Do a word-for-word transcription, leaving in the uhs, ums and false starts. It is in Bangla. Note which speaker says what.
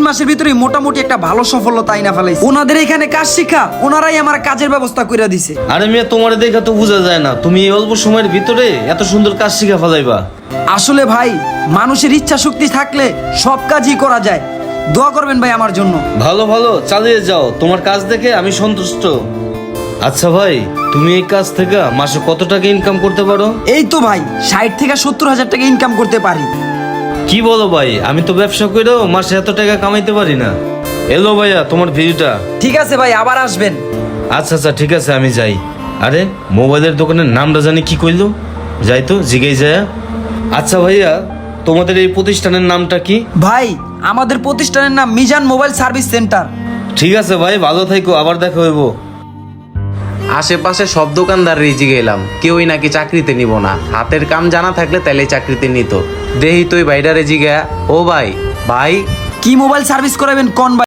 Speaker 1: তিন মাসের ভিতরে মোটামুটি একটা ভালো সফলতা আইনা ফেলাইছে। ওনাদের এখানে কাজ শিখা ওনারাই আমার কাজের ব্যবস্থা করে দিছে।
Speaker 2: আরে মিয়া, তোমার দেখা তো বোঝা যায় না তুমি এই অল্প সময়ের ভিতরে এত সুন্দর কাজ শিখা ফেলাইবা।
Speaker 1: আসলে ভাই, মানুষের ইচ্ছা শক্তি থাকলে সব কাজই করা যায়। দোয়া করবেন ভাই আমার জন্য।
Speaker 2: ভালো ভালো চালিয়ে যাও, তোমার কাজ দেখে আমি সন্তুষ্ট। আচ্ছা ভাই, তুমি এই কাজ থেকে মাসে কত টাকা ইনকাম করতে পারো?
Speaker 1: এই তো ভাই, ষাট থেকে সত্তর হাজার টাকা ইনকাম করতে পারি।
Speaker 2: কি বলো ভাই, আমি তো ব্যবসা করেও মাসে এত টাকা কামাইতে পারি না। এলো ভাইয়া তোমার ভিডিওটা।
Speaker 1: ঠিক আছে ভাই, আবার আসবেন।
Speaker 2: আচ্ছা আচ্ছা ঠিক আছে, আমি যাই। আরে মোবাইলের দোকানের নামটা জানি কি কইলো, যাই তো জিগেই যায়। আচ্ছা ভাইয়া, তোমাদের এই প্রতিষ্ঠানের নামটা কি?
Speaker 1: ভাই, আমাদের প্রতিষ্ঠানের নাম মিজান মোবাইল সার্ভিস সেন্টার।
Speaker 2: ঠিক আছে ভাই, ভালো থাইকো, আবার দেখা হইব।
Speaker 3: আশেপাশে সব দোকানদার রিজি গেলাম, কেউই নাকি চাকরিতে নিব না। হাতের কাম জানা থাকলে তাইলে চাকরিতে নিত। দেহি তুই বাইডারে জিগা, ও ভাই ভাই
Speaker 1: কি মোবাইল সার্ভিস করাবেন কোন?